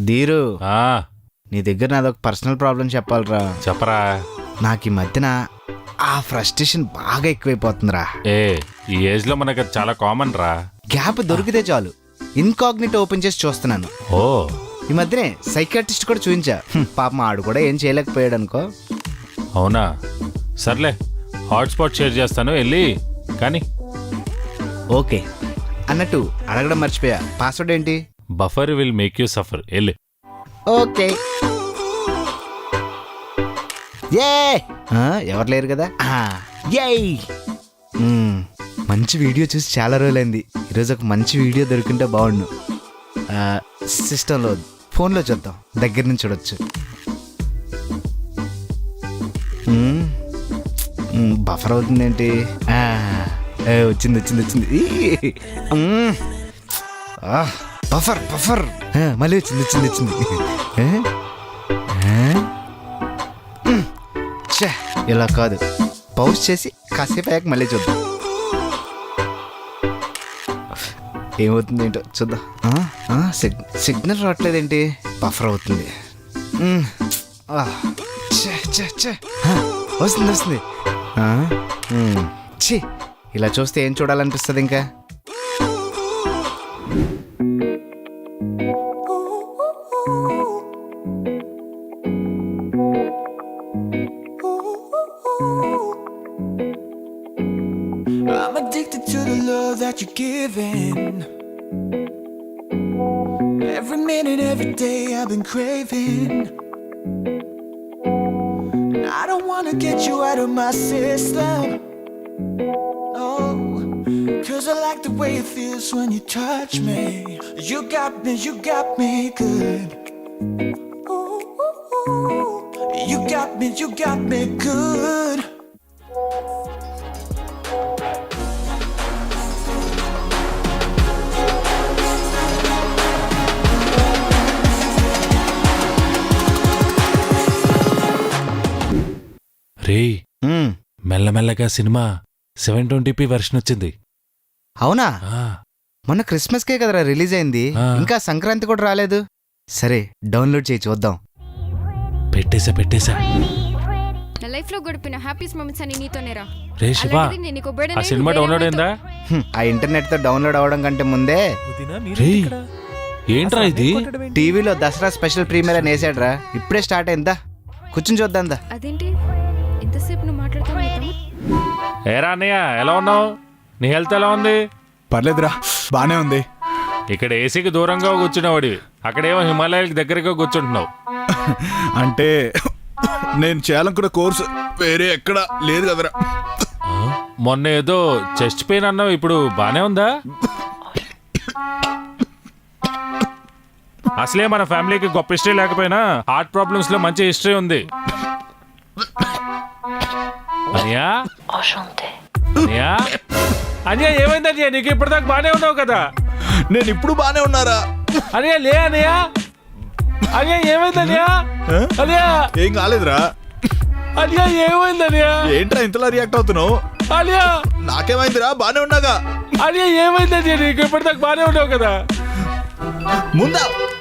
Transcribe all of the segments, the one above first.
ధీరు, ఆ నీ దగ్గర నాదొక పర్సనల్ ప్రాబ్లం చెప్పాలరా. చెప్పరా. నాకు ఈ మధ్యన ఆ ఫ్రస్ట్రేషన్ బాగా ఎక్కువైపోతుందిరా. ఈ ఏజ్ లో మనకు అది చాలా కామన్ రా. గ్యాప్ దొరికితే చాలు ఇన్కాగ్నిట్ ఓపెన్ చేసి చూస్తున్నాను. ఓ ఈ మధ్యనే సైకాట్రిస్ట్ కూడా చూపించా. పాపం ఆడు కూడా ఏం చేయలేకపోయాడు అనుకో. అవునా, సర్లే హాట్స్పాట్ షేర్ చేస్తాను వెళ్ళి కానీ. ఓకే అన్నట్టు అడగడం మర్చిపోయా, పాస్వర్డ్ ఏంటి? Buffer will make you suffer వెళ్ళి. ఓకే. ఏ ఎవరు లేరు కదా. మంచి వీడియో చూసి చాలా రోజులైంది. ఈరోజు ఒక మంచి వీడియో దొరికింటే బాగుండు. సిస్టంలో ఫోన్లో చూద్దాం, దగ్గర నుంచి చూడొచ్చు. బఫర్ అవుతుందేంటి? వచ్చింది వచ్చింది వచ్చింది. బఫర్ బఫర్ మళ్ళీ వచ్చింది వచ్చింది వచ్చింది. ఇలా కాదు, పౌజ్ చేసి కాసేపు అయ్యాక మళ్ళీ చూద్దాం ఏమవుతుంది ఏంటో చూద్దాం. సిగ్నల్ రావట్లేదేంటి? బఫర్ అవుతుంది. వస్తుంది వస్తుంది. ఛీ, ఇలా చూస్తే ఏం చూడాలనిపిస్తుంది ఇంకా? I'm addicted to the love that you're giving. Every minute, every day I've been craving. I don't wanna get you out of my system. No, 'cause I like the way it feels when you touch me. You got me good. You got me good. రే, మెల్లమెల్లగా cinema 720p version వచ్చింది. అవునా? మొన్న క్రిస్మస్కే కదరా release అయింది, ఇంకా సంక్రాంతి కూడా రాలేదు. సరే డౌన్లోడ్ చేయి చూద్దాం. పెట్టేశా. నా లైఫ్ లో గడిపిన హ్యాపీస్ మొమెంట్స్ అని నీతోనేరా. రే శివ, ఆ సినిమా డౌన్లోడ్ అయిందా? ఆ ఇంటర్నెట్ తో డౌన్లోడ్ అవడం కంటే ముందే. ఏంట్రా ఇది? టీవీలో దసరా స్పెషల్ ప్రీమియర్ అని వేసాడ్రా, ఇప్పుడే స్టార్ట్ అయిందా, కూర్చుని చూద్దాందా. అదేంటి ఎంతసేపు నువ్వు మాట్లాడుతున్నావు? ఏరా అన్నయ్య, ఎలా ఉన్నావు? నీ హెల్త్ ఎలా ఉంది? పర్లేదురా, బానే ఉంది. ఇక్కడ ఏసీకి దూరంగా కూర్చునేవాడివి, అక్కడేమో హిమాలయాలకు దగ్గరగా కూర్చుంటున్నావు. అంటే నేను చేయాలనుకున్న కోర్సు వేరే ఎక్కడ లేదు కదరా. మొన్న ఏదో చెస్ట్ పెయిన్ అన్నావు, ఇప్పుడు బానే ఉందా? అసలే మన ఫ్యామిలీకి గొప్ప హిస్టరీ లేకపోయినా హార్ట్ ప్రాబ్లమ్స్ లో మంచి హిస్టరీ ఉంది. అనియా అనియా ఏమైంది అనియా? నీకు ఇప్పటిదాకా బానే ఉన్నావు కదా. నేను ఇప్పుడు బానే ఉన్నారా అనియా? లే అనియా, అనియా ఏమైంది అనియా? అనియా ఏం కాలేదురా. అనియా ఏమైంది అనియా? ఏంట్రా ఇంతలా రియాక్ట్ అవుతున్నావు? అనియా నాకేమైందిరా, బానే ఉన్నాగా. అనియా ఏమైంది అనియా? నీకు ఇప్పటిదాకా బానే ఉన్నావు కదా. ముందా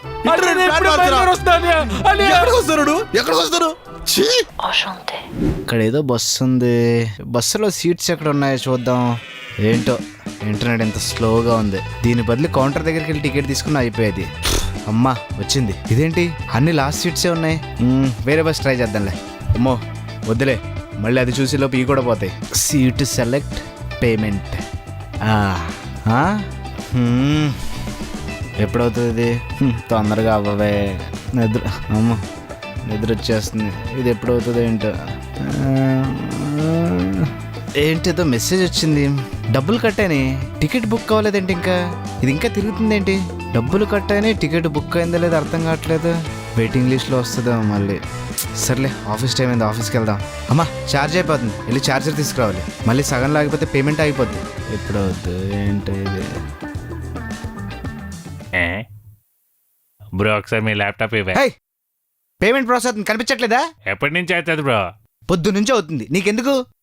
ఎక్కడికి వస్తారు? ఇక్కడ ఏదో బస్సు ఉంది, బస్సులో సీట్స్ ఎక్కడ ఉన్నాయో చూద్దాం. ఏంటో ఇంటర్నెట్ ఎంత స్లోగా ఉంది. దీని బదులు కౌంటర్ దగ్గరికి వెళ్ళి టికెట్ తీసుకుని అయిపోయేది. అమ్మా వచ్చింది. ఇదేంటి అన్ని లాస్ట్ సీట్సే ఉన్నాయి? వేరే బస్ ట్రై చేద్దాంలే. అమ్మో వద్దులే, మళ్ళీ అది చూసి లోపు ఇవి కూడా పోతాయి. Seat select, payment. ఎప్పుడవుతుంది? తొందరగా అవ్వవే. నిద్ర వచ్చేస్తుంది. ఇది ఎప్పుడవుతుంది ఏంటో. ఏంటిదో మెసేజ్ వచ్చింది. డబ్బులు కట్టాని, టికెట్ బుక్ అవ్వలేదేంటి ఇంకా? ఇది ఇంకా తిరుగుతుంది ఏంటి? డబ్బులు కట్టాని, టికెట్ బుక్ అయిందో లేదో అర్థం కావట్లేదు. వెయిటింగ్ లిస్ట్లో వస్తుందో మళ్ళీ. సర్లే ఆఫీస్ టైం అయింది, ఆఫీస్కి వెళ్దాం. అమ్మా ఛార్జ్ అయిపోతుంది, వెళ్ళి ఛార్జర్ తీసుకురావాలి. మళ్ళీ సగం లాగిపోతే పేమెంట్ అయిపోద్ది. ఎప్పుడవుద్దు ఏంటో ఇది? బ్రో ఒకసారి మీ ల్యాప్టాప్ ఇవ్వ. పేమెంట్ ప్రాసెస్ కనిపించట్లేదా? ఎప్పటి నుంచి అవుతుంది బ్రో? పొద్దు నుంచి అవుతుంది, నీకెందుకు?